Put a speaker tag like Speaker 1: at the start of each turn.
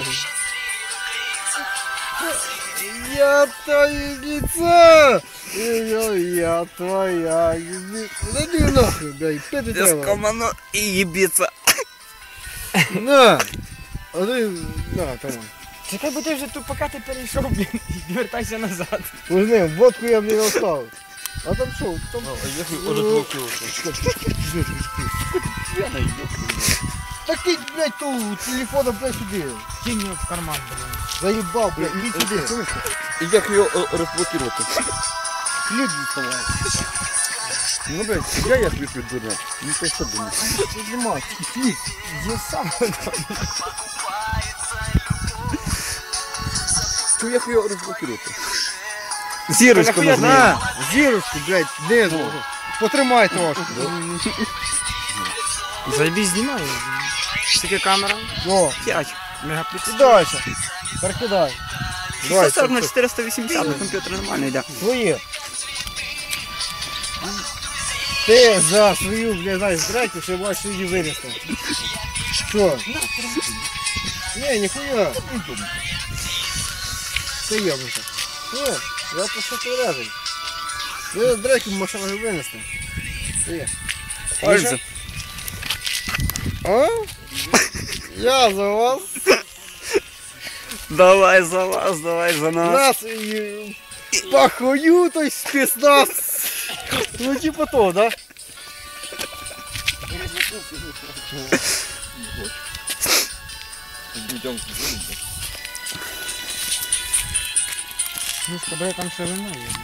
Speaker 1: Я твое лицо! Я твоя ебица. Да не нахуй, блядь, пять
Speaker 2: Без
Speaker 1: треба.
Speaker 2: комано и ебиться.
Speaker 1: На! А ти, на, там.
Speaker 3: Чекай, бо ти вже тут, поки ти перейшов, блін, і вертайся назад.
Speaker 1: Возьми, водку я, блин, оставил. А там что? Там... Так ты, блядь, ту телефона, блядь, сюди.
Speaker 3: Кинь його в карман, блін.
Speaker 1: Заебал, блядь, иди сюди.
Speaker 2: И как ее разблокировать?
Speaker 1: Ключ доставай.
Speaker 2: Ну, блядь, я отвечу, дурак. Не то что думаешь.
Speaker 1: Нажимай, ключ.
Speaker 3: Я сам.
Speaker 2: Что я ее разблокировать?
Speaker 3: Зірочку
Speaker 1: На, зірочку, блядь, низу. Потримай трошки.
Speaker 3: Заебись, знімаю. Скільки камера?
Speaker 1: О,
Speaker 3: 5 мегапікселів.
Speaker 1: дальше. Перекидай. Давай,
Speaker 3: 640 на 480 на комп'ютер нормально йде.
Speaker 1: Твоє. Ти за свою, блядь, знаєш, здрайку, ще можеш її винести. Що? Не, ніхуя. Ти єбнуся. Ні, я просто тверезий. Ви здрайку можеш винести. Ти.
Speaker 2: Пальцы.
Speaker 1: А? Я за вас.
Speaker 2: Давай за вас, давай за нас.
Speaker 1: Нас і похую, то есть спецназ. Ну типа то, да?
Speaker 3: Ну, з тобою там ще вино є.